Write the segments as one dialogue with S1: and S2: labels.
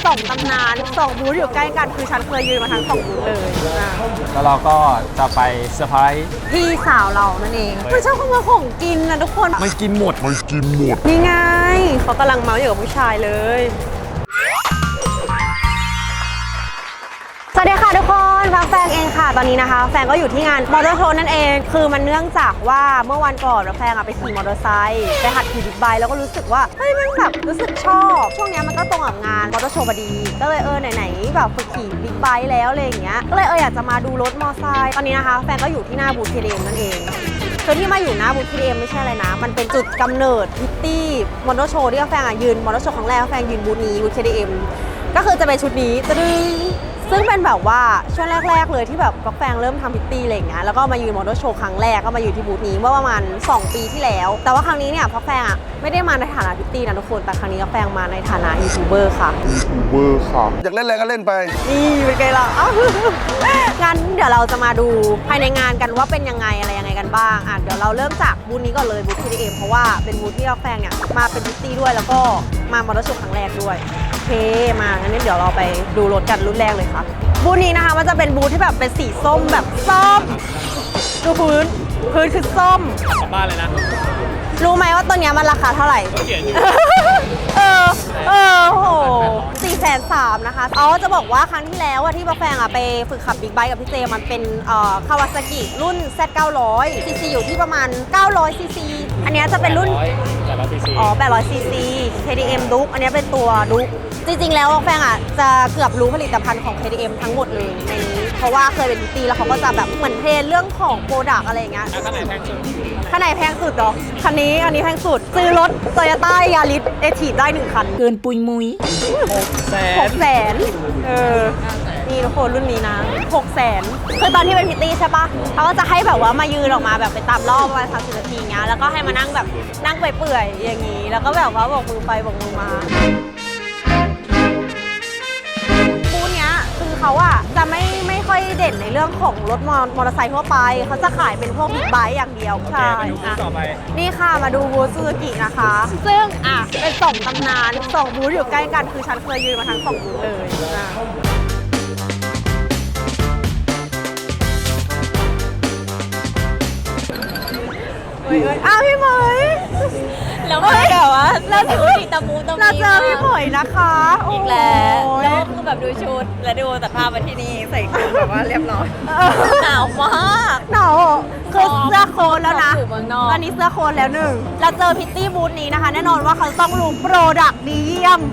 S1: 2ตำนาน2บูธอยู่ใกล้กันคือฉันเคยยืนมาทั้ง2บูธเลย
S2: แล้วเราก็จะไปเซอร์ไพรส์
S1: พี่สาวเรานั่นเองคือชอบขโมยของกินนะทุกคน
S2: ไม่กินหมด
S1: นี่ไงเขากำลังเมาอยู่กับผู้ชายเลยสวัสดีค่ะทุกคนฟังแฟงเองค่ะตอนนี้นะคะแฟงก็อยู่ที่งานมอเตอร์โชว์นั่นเองคือมันเนื่องจากว่าเมื่อวันก่อนแฟงไปขี่มอเตอร์ไซค์ไปหัดขี่บิ๊กไบค์แล้วก็รู้สึกว่าเฮ้ยมันแบบรู้สึกชอบช่วงนี้มันก็ตรงกับงานมอเตอร์โชว์พอดีก็เลยไหนแบบฝึกขี่บิ๊กไบค์แล้วอะไรอย่างเงี้ยก็เลยอยากจะมาดูรถมอเตอร์ไซค์ตอนนี้นะคะแฟงก็อยู่ที่หน้าบูธ KTM นั่นเองคือที่มาอยู่หน้าบูธ KTM ไม่ใช่อะไรนะมันเป็นจุดกำเนิดพิตตี้มอเตอร์โชว์ที่แฟงยืนมอเตอร์โชว์ครั้งแรกแฟงยืนบูธนี้บูธ KTM ก็คือจะเป็นชุดนี้ซึ่งเป็นแบบว่าช่วงแรกๆเลยที่แบบกาแฟเริ่มทำพิตตี้อะไรอย่างเงี้ยแล้วก็มายืนมอเตอร์โชว์ครั้งแรกก็มาอยู่ที่บูธนี้เมื่อประมาณ2 ปีที่แล้วแต่ว่าครั้งนี้เนี่ยกาแฟไม่ได้มาในฐานะพิตตี้นะทุกคนแต่ครั้งนี้กาแฟมาในฐานะยูทูบเบอร์ค่ะ
S3: อยากเล่นอะไรก็เล่นไป
S1: นี่เป็นไงล่ะงั้นเดี๋ยวเราจะมาดูภายในงานกันว่าเป็นยังไงอะไรยังไงกันบ้างเดี๋ยวเราเริ่มจากบูธนี้ก่อนเลยบูธ KTM เพราะว่าเป็นบูธที่กาแฟเนี่ยมาเป็นพิตตี้ด้วยแล้วก็มามอเตอร์โชว์ครั้งแรกด้วยโอเคมางั้นเดี๋ยวเราไปดูรถกันรุ่นแรกเลยค่ะบูธนี้นะคะมันจะเป็นบูธที่แบบเป็นสีส้มแบบส้มดูพื้นคือส้ม
S2: กลับบ้านเลยนะ
S1: รู้ไหมว่าตัวเนี้ยมันราคาเท่าไหร่
S2: เขียนอยู่
S1: โห430,000นะคะจะบอกว่าครั้งที่แล้วที่บัฟแฟงไปฝึกขับบิ๊กไบค์กับพี่เจมันเป็นคาวาซากิรุ่น Z900 ซีซีอยู่ที่ประมาณ900ซีซีอันนี้จะเป็นรุ่น800ซีซี KTM Duke อันนี้เป็นตัว Duke จริงๆแล้วแฟงจะเกือบรู้ผลิตภัณฑ์ของ KTM ทั้งหมดเลยในนี้เพราะว่าเคยเป็นพิตตี้แล้วเขาก็จะแบบเหมือนเทรนเรื่องของโปรดักต์อะไรอย่างเงี้ย
S2: คันไหนแพงสุด
S1: คันไหนแพงสุดเหรอคันนี้แพงสุดซื้อรถ Toyota Yaris Active ได้1 คัน
S4: เกินปุยมุย
S1: 600,000นี่ทุกคนรุ่นนี้นะ600,000คือตอนที่เป็นพิตตี้ใช่ปะเขาก็จะให้แบบว่ามายืนออกมาแบบไปตามรอบประมาณ30 นาทีเงี้ยแล้วก็ให้มานั่งแบบนั่งไปเปื่อยอย่างนี้แล้วก็แบบว่าบอกมือไปบอกมือมาบูธเนี้ยคือเขาจะไม่ค่อยเด่นในเรื่องของรถมอเตอร์ไซค์ทั่วไปเขาจะขายเป็นพวกบิ๊กไบค์อย่างเดียวใช่นี่ค่ะมาดูบูธซูซูกินะคะซึ่งเป็น2ตำนาน2บูธอยู่ใกล้กันคือฉันเคยยืนมาทั้ง2บูธเลยพี่เหมย
S4: แล้วแบบว่าเราเจอพี่ตะมูตะมี
S1: เราเจอพี่เหมยนะคะ
S4: อีกแล้วคือแบบดูชุดและดูตัดภาพมาที่นี่ใส่ชุดแบบว่าเรียบร้อยหนาวมาก
S1: หนาวคือเสื้อโค้ทแล้วนะตอนนี้เสื้อโค้ทแล้ว1เราเจอพิตตี้บูธนี้นะคะแน่นอนว่าเขาต้องรู้โปรดักต์ดีเยี่ยม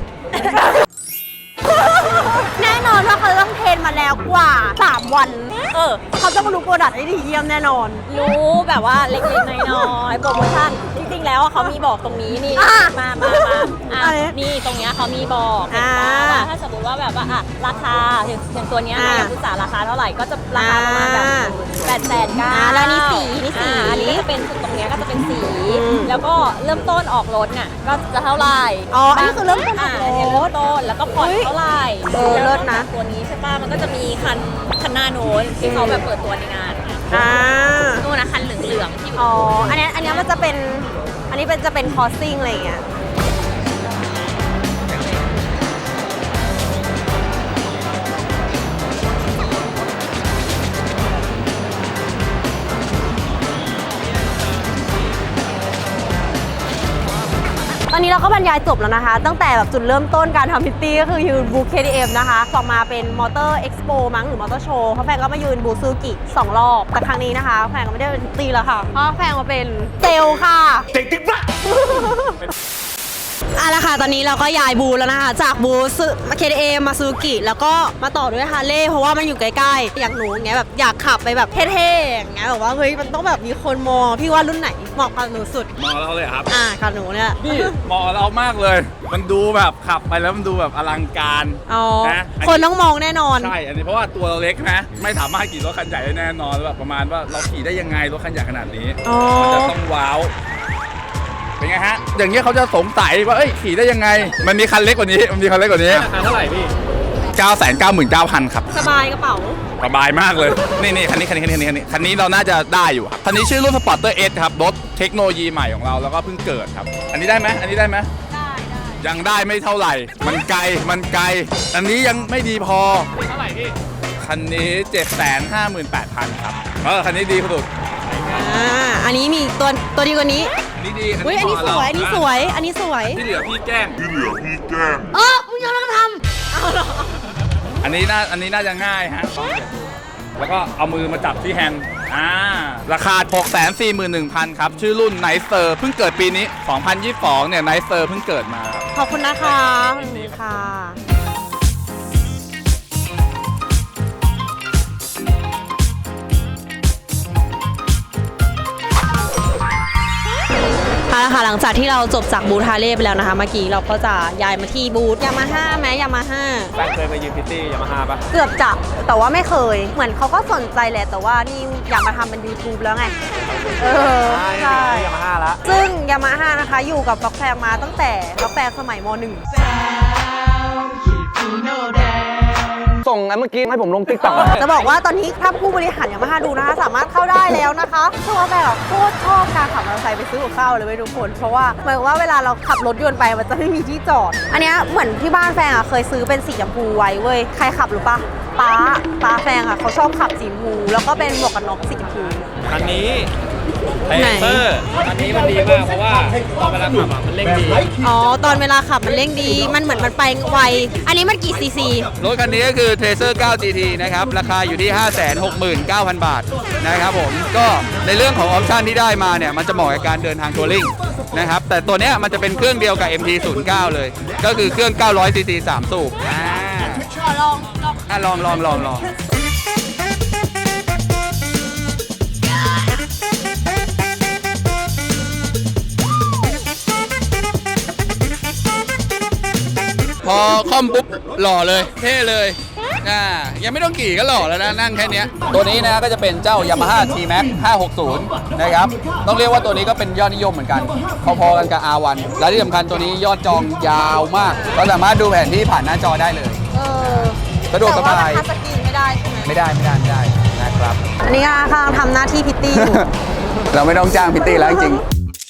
S1: แน่นอนว่าเขาต้องเทรนมาแล้วกว่า3 วันเขาต้องรู้โปรดักต์ได้ดีเยี่ยมแน่นอน
S4: รู้แบบว่าเล็กๆน้อยๆโปรโมชั่นจริงๆแล้วเขามีบอกตรงนี้นี่มานี่ตรงนี้เขามีบอกว่าถ้าสมมติว่าแบบว่าราคาอย่างตัวนี้นะคุณสาราคาเท่าไหร่ก็จะราคาประมาณแบบ800,000
S1: แล้วนี่สี
S4: อันนี้จะเป็นตรงนี้ก็จะเป็นสีแล้วก็เริ่มต้นออกรถเนี่ยก็จะเท่าไหร่
S1: อันนี้คือเริ่มต้นออกรถ
S4: แล้วก็ผ่อนเท่าไหร่
S1: เลิศนะ
S4: ตัวนี้ใช่ป่ะมันก็จะมีคันหน้าโน้นที่เขาแบบเปิดตัวในงานนู่นนะคันเหลืองๆที่
S1: อันนี้มันจะเป็นอันนี้จะเป็นคอสซิ่งอะไรอย่างเงี้ยตอนนี้เราก็บรรยายจบแล้วนะคะตั้งแต่แบบจุดเริ่มต้นการทำพิตตี้ก็คือยืนบูธ KTM นะคะต่อมาเป็นมอเตอร์เอ็กซ์โปมั้งหรือมอเตอร์โชว์เพราะแฟนก็มายืนบูธซูกิ2 รอบแต่ครั้งนี้นะคะแฟนก็ไม่ได้เป็นพิตตี้แล้วค่ะเพราะแฟนมาเป็นเซลค่ะเด็กติ๊กบ้าละค่ะตอนนี้เราก็ย้ายบูธแล้วนะคะจากบูธKTM มาซูกิแล้วก็มาต่อด้วยฮาร์เลย์เพราะว่ามันอยู่ใกล้ๆอย่างหนูอย่างเงี้ยแบบอยากขับไปแบบเท่ๆอย่างเงี้ยแบบว่าเฮ้ยมันต้องแบบมีคนมองพี่ว่ารุ่นไหนเหมาะกับหนูสุด
S2: มองเราเลยครับ
S1: กับหนูเนี่ย
S2: นี่เหมาะเรามากเลยมันดูแบบขับไปแล้วมันดูแบบอลังการ
S1: นะคนต้องมองแน่นอน
S2: ใช่อันนี้เพราะว่าตัวเราเล็กนะไม่สามารถขี่รถคันใหญ่ได้แน่นอนแบบประมาณว่าเราขี่ได้ยังไงรถคันใหญ่ขนาดนี้มันจะต้องว้าวเป็นไงฮะอย่างเงี้ยเขาจะสงสัยว่าขี่ได้ยังไงมันมีคันเล็กกว่านี้ราคาเท่าไหร่พี่999,000 ครับ
S1: สบายกระเป๋า
S2: สบายมากเลยนี่คันนี้เราน่าจะได้อยู่ครับคันนี้ชื่อรุ่น Sporter S ครับรถเทคโนโลยีใหม่ของเราแล้วก็เพิ่งเกิดครับอันนี้ได้ไหม
S1: ได้
S2: ยังได้ไม่เท่าไหร่ มันไกลอันนี้ยังไม่ดีพอเท่าไหร่พี่คันนี้ 758,000 ครับคันนี้ดีสุด
S1: อันนี้มีตัวดีกว่านี้
S2: อันนี้ดี
S1: อุ้ยอันนี้สวย อันนี้สวย อันนี้สวย
S2: ที่เหลือพี่แกล้ง
S1: มึงยังต้องทำเอาเหรอ
S2: อันนี้น่าจะง่ายฮะแล้วก็เอามือมาจับที่แฮนด์ราคา 641,000 ครับ ชื่อรุ่นไนเซอร์เพิ่งเกิดปีนี้ 2022 เนี่ยไนเซอร์เพิ่งเกิดมาครับ
S1: ขอบคุณนะคะขอบคุณค่ะเอาละค่ะหลังจากที่เราจบจากบูธฮาร์เลย์ไปแล้วนะคะเมื่อกี้เราก็จะย้ายมาที่บูธยามาฮ่าไหมยามาฮ่า
S5: แฟนเคยไปยืมพิตตี้ยามาฮ่าปะ
S1: เกือบจะแต่ว่าไม่เคย เหมือนเขาก็สนใจแหละแต่ว่านี่อยากมาทำเป็น YouTube แล้วไงใช่
S5: ยามาฮ่าละ
S1: ซึ่งยามาฮ่านะคะอยู่กับล็อกแฟงมาตั้งแต่ล็อกแฟงสมัยม .1
S5: ส่งอันเมื่อกี้ให้ผมลงติ๊กต็อก
S1: จะบอกว่าตอนนี้ถ้าผู้บริหารยามาฮ่าดูนะคะสามารถเข้าได้แล้วนะคะเพราะว่าแบบโคตรชอบการขับมอเตอร์ไซค์ไปซื้อกับข้าวเลยเว้ยทุกคนเพราะว่าหมายความว่าเวลาเราขับรถยนต์ไปมันจะไม่มีที่จอด อันเนี้ยเหมือนที่บ้านแฟงอ่ะเคยซื้อเป็นสีชมพูไว้เว้ยใครขับหรือปะป้าแฟงอ่ะเขาชอบขับสีชมพูแล้วก็เป็นหมวกกันน็อกสีชมพู
S5: คันนี้เท
S1: ไหน
S5: เซอร์คันนี้มันดีมากเพราะว่าตอนเวลาขับอ่ะมันเร่งดี
S1: อ๋อตอนเวลาขับมันเร่งดีมันเหมือนมันไปไวอันนี้มันกี่ซีซี
S2: รถคันนี้ก็คือ Tracer 9 GT นะครับ ราคาอยู่ที่ 569,000 บาทนะครับผม ก็ในเรื่องของออปชันที่ได้มาเนี่ย มันจะเหมาะกับการเดินทางทัวริงนะครับ แต่ตัวเนี้ยมันจะเป็นเครื่องเดียวกับ MT09 เลย ก็คือเครื่อง900 cc 3 สูบลองพอคอมปุ๊บหล่อเลยเท่เลยยังไม่ต้องขี่ก็หล่อแล้วนะนั่งแค่นี้ตัวนี้นะก็จะเป็นเจ้า Yamaha T-Max 560 นะครับต้องเรียกว่าตัวนี้ก็เป็นยอดนิยมเหมือนกันพอๆกันกับ R1 และที่สำคัญตัวนี้ยอดจองยาวมากเราสามารถดูแผนที่ผ่านหน้าจอได้เลยสะดวกสบาย
S1: แต่ว่ามันทัชสกรีนไม่ได้ใช่ไหม
S2: ไม่ได้นะครับ
S1: อันนี้ก็กำลังทำหน้าที่พิตตี้อยู่
S2: เราไม่ต้องจ้างพิตตี้แล้วจริง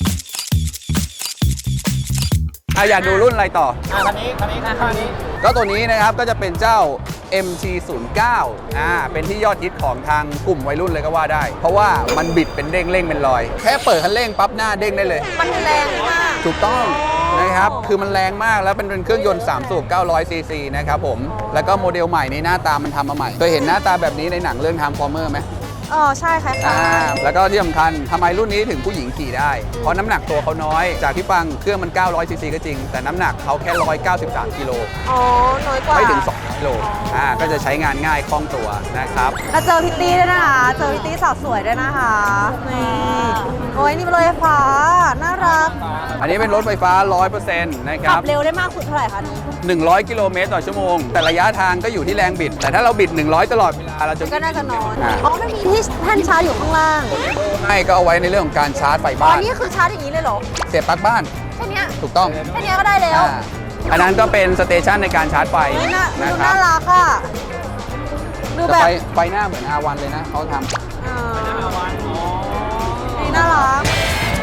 S2: อยากดูรุ่นอะไรต่อ
S5: คันนี้
S2: ก็ตัวนี้นะครับก็จะเป็นเจ้า MT09 เป็นที่ยอดฮิตของทางกลุ่มวัยรุ่นเลยก็ว่าได้ เพราะว่ามันบิดเป็นเด้งเร่งเป็นรอย แค่เปิดคันเร่งปั๊บหน้าเด้งได้เลย
S1: มันแรงมาก
S2: ถูกต้องนะครับ คือมันแรงมากแล้วเป็นเครื่องยนต์3สูบ900 ซีซีนะครับผม แล้วก็โมเดลใหม่นี้หน้าตามันทำมาใหม่ เคยเห็นหน้าตาแบบนี้ในหนังเรื่อง Transformer ไหม
S1: ใช่ค่ะ
S2: แล้วก็ที่สำคัญทำไมรุ่นนี้ถึงผู้หญิงขี่ได้ เพราะน้ำหนักตัวเขาน้อย จากที่ฟังเครื่องมัน900 ซีซีก็จริง แต่น้ำหนักเขาแค่ 193 กิโล
S1: น้อยกว่า
S2: ไม่ถึง 2 กิโล ก็จะใช้งานง่ายคล่องตัวนะครับ
S1: แล้วเจอพิตตี้ด้วยนะคะ เจอพิตตี้สาวสวยด้วยนะคะนี่โอ้ยนี่เป็นรถไฟฟ้า น่ารัก
S2: อันนี้เป็นรถไฟฟ้า 100% นะค
S1: ขั
S2: รั
S1: บบ เร็วได้มากสุดเท่าไหร่คะนี้
S2: 100 กิโลเมตรต่อชั่วโมง แต่ระยะทางก็อยู่ที่แรงบิด แต่ถ้าเราบิด 100 ตลอดเวลาเราจะ
S1: ก็น่าจะน้อยมันมีที่แท่นชาร์จอยู่ข้างล่าง
S2: ให้ก็เอาไว้ในเรื่องของการชาร์จไฟ
S1: อ๋อ
S2: บ้าน
S1: นี่คือชาร์จอย่างนี้เลยเหรอ
S2: เสียบปลั๊กบ้าน
S1: แค่เนี้ย
S2: ถูกต้อง
S1: แค่เนี้ยก็ได้แล้ว
S2: อันนั้นก็เป็นสเตชันในการชาร์จไฟ
S1: เฮ้ยน่า
S2: นะ
S1: ดู
S2: ครั
S1: น่า
S2: บ
S1: รักอ่ะ ดู
S2: แต่
S1: แบบ
S2: ไฟหน้าเหมือน R1 เลยนะเขาทำ
S1: นี่น่ารัก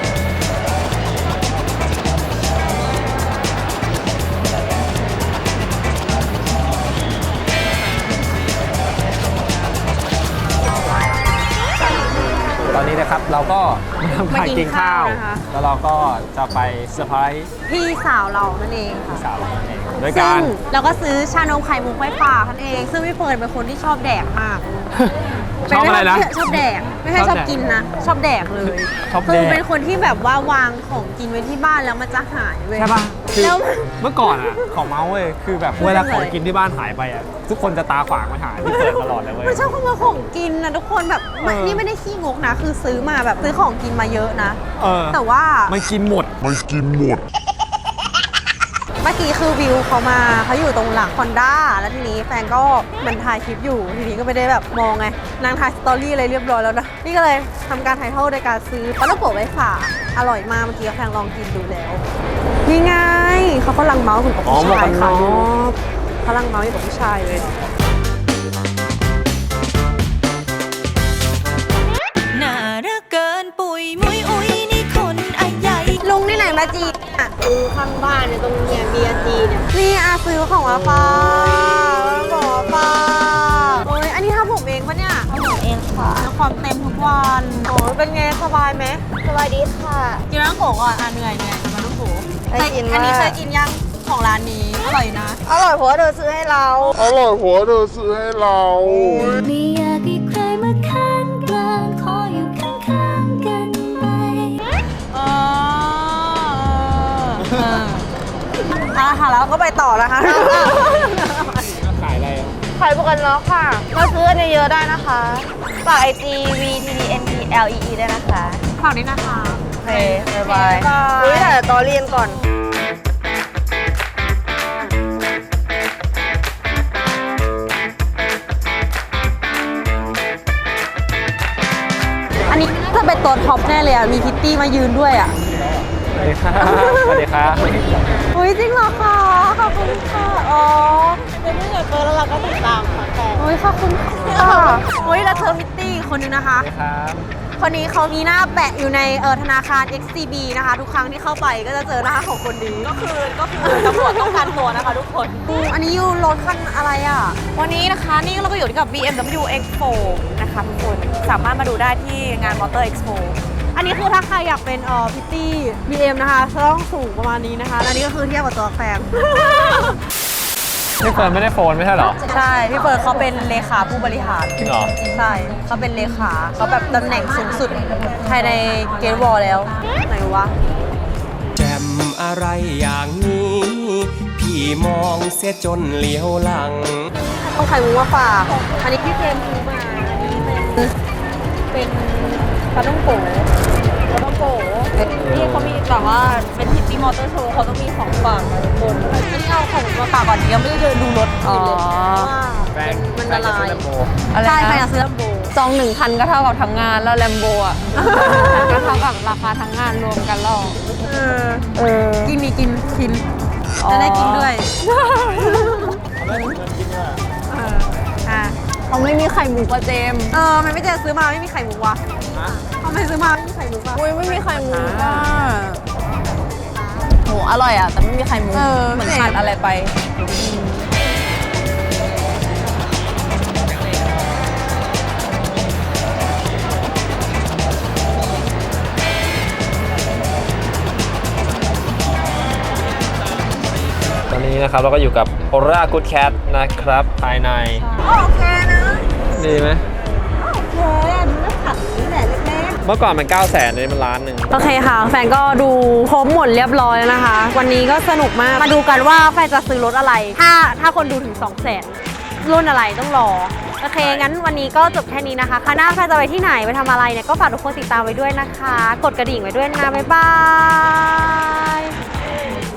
S5: ตอนนี้นะครับเราก็ทำการกินข้าว
S1: มากินข้าวนะคะ
S5: แล้วเราก็จะไปเซอร์ไพรส์
S1: พี่สาวเรานั่นเองค่ะ
S5: สาวเรานั่นเองโดย
S1: ซึ่
S5: กาง ร
S1: เราก็ซื้อชานมไข่มุกไว้ฝากท่านเอง ซึ่งพี่เฟิร์นเป็นคนที่ชอบแดกมาก
S5: ชอบอะไรนะ
S1: ชอบแดก ไม่ใช่ชอบกินนะ ชอบแดกเลย
S5: ชอบแดก
S1: คือเป็นคนที่แบบว่าวางของกินไว้ที่บ้านแล้วมันจะหายเว้ย
S5: ใช่ป่ะคือ
S1: แล้ว
S5: เมื่อก่อนอ่ะของเมาส์เว้ยคือแบบเวลาของกินที่บ้านหายไปอ่ะทุกคนจะตาขวางมาหาที่เปิดตลอดเลยเว้ย
S1: มันชอบขโมยของกินนะทุกคนแบบ นี่ไม่ได้ขี้งกนะ คือซื้อมาแบบซื้อของกินมาเยอะนะ แต่ว่า
S5: มันกินหมด
S1: เมื่อกี้คือวิวเขามาเขาอยู่ตรงหลังคอนด้าแล้วทีนี้แฟนก็มันถ่ายคลิปอยู่ทีนี้ก็ไม่ได้แบบมองไงนางถ่ายสตอรี่อะไรเรียบร้อยแล้วนะนี่ก็เลยทำการถ่ายทอดโดยการซื้อปลาลูกโป่งไว้ฝากอร่อยมากเมื่อกี้แฟนลองกินดูแล้วนี่ไงเขากำลังเมาส์ถึงกับผู้ชายค่ะเขากำลังเมาส์อยู่กับผู้ชายเลย
S6: น่ารักเกินปุ๋ยมุยอุ้ยนี่คนอันใหญ่
S1: ลุงนี่ไหนมาจีอ่ะซื้อข้างบ้านเนี่ยตรงเนี่ย BRT เนี่ยนี่อาซื้อของมาฝากของมาฝากโอ้ยอันนี้ทำผมเองปะเนี่ย
S4: ทำผมเองค่ะ
S1: ความเต็มทุกวันโอ้ยเป็นไงสบายไหม
S4: สวัสดีค่ะ
S1: กินน้ำโขก่อนเหนื่อยกับน้ำโข
S4: เคยกินมาก
S1: อันนี้เคยกินยังของร้านนี้อร่อยนะ
S4: อร่อยเพราะว่าเธอซื้อให้เรา
S3: อร่อยหัวเธอซื้อให้เรา
S6: ไม่อยากให้ใครมาข้างกลางขออยู่ข้างๆกันไป
S1: ค่ะแล้วก็ไปต่อนะคะ
S5: ขายอะไรอะ
S4: ขายบุกันล็อกค่ะมาซื้อกันเยอะๆได้นะคะฝาก IG VTDNPLEE ด้วยนะคะ
S1: ฝากด้วยนะคะ
S4: โอเคบ๊ายบาย
S1: บ๊ายบาย
S4: นี่แต่ตอเรียนก่อน
S1: อันนี้จะเป็นตัวท็อปแน่เลยอ่ะ มีพิตตี้มายืนด้วยอ่ะ
S5: สวัสดีครับสวัสดีครับ
S1: อุ้ยจริงเหรอคะขอบคุณค่ะ อ๋อ
S4: เป็นเพื่อนกับเฟิร์นแล้วเราก็ติดตามค่ะแต่
S1: อุ้ยขอบคุณค่ะอุ้ยแล้วเธอพิตตี้อีกคนนึงนะคะ
S5: ครับ
S1: คนนี้เขามีหน้าแปะอยู่ในธนาคาร XCB นะคะ ทุกครั้งที่เข้าไปก็จะเจอหน้าของคนนี้
S4: ก็คือตำรวจต้องการตัวนะคะทุกคน
S1: อันนี้อยู่รถคันอะไรอ่ะ วันนี้นะคะนี่เราก็อยู่กับ BMW X4 นะคะทุกคนสามารถมาดูได้ที่งาน Motor Expo อันนี้คือถ้าใครอยากเป็นพิตตี้ BM นะคะจะต้องสูงประมาณนี้นะคะและนี่ก็คือเทียบกับตัวแฟน
S5: พี่เฟิร์นไม่ได้โฟนไม่ใช่เหรอ
S1: ใช่ พี่เฟิร์นเขาเป็นเลขาผู้บริหาร
S5: จริงเหรอ
S1: ใช่เขาเป็นเลขาเขาแบบตำแหน่งสูงสุดภายในเกตวอลแล้วไหนวะ
S7: แจ่มอะไรอย่างนี้ พี่มองเสียจนเหลียวหลัง
S1: ต้องไข่มุกมาฝากอันนี้พี่เจมส์ซื้อมาอันนี้เป็นปลาต้องโกะ
S4: นี่เขามีแบบว่าเป็นพิตตี้มอเตอร์โชว์เขาต้องมีของฝากนะทุกคน
S1: อันนี้เอาของมาฝากก่อนยังไม่ได้เดินดูรถอื่นเลยว่า
S5: แฟน
S1: มันละลาย
S5: แฟนจะซื้อ Lambo
S1: ใช่ใครอยากซื้อลมโบ
S8: ซอง1,000ก็เท่ากับทั้งงานแล้วแลมโบอ่ะ ก็เท่ากับราคาทั้งงานรวมกันแล้ว
S1: กินมีกินจะได้กินด้วยอ่ะ
S8: เขาไม่มีไข่หมูกระเจม
S1: มันไม่เจอซื้อมาไม่มีไข่มุกวะทำไมซื้อมาไม่มีไข่มุกวะ
S8: อุ้ยไม่มีไข่หมูอ่ะโหอร่อยอ่ะ แต่ไม่มีไข่หมูเหมือนขาดอะไรไป
S5: ตอนนี้นะครับเราก็อยู่กับ Aura Good Cat นะครับ ภายใน
S1: โอเคนะ
S5: ดีไหม
S1: โอเคดูแล้วผักนี่แหละเล็ก
S5: เมื่อก่อนมัน 900,000เลยมันล้านหนึ่ง
S1: โอเคค่ะ แฟนก็ดูครบหมดเรียบร้อยแล้วนะคะ วันนี้ก็สนุกมาก มาดูกันว่าแฟนจะซื้อรถอะไร ถ้าคนดูถึง 200,000 รุ่นอะไรต้องรอ โอเค งั้นวันนี้ก็จบแค่นี้นะคะครั้งหน้าแฟนจะไปที่ไหนไปทำอะไรเนี่ย ก็ฝากทุกคนติดตามไว้ด้วยนะคะ กดกระดิ่งไว้ด้วยนะ บ๊ายบาย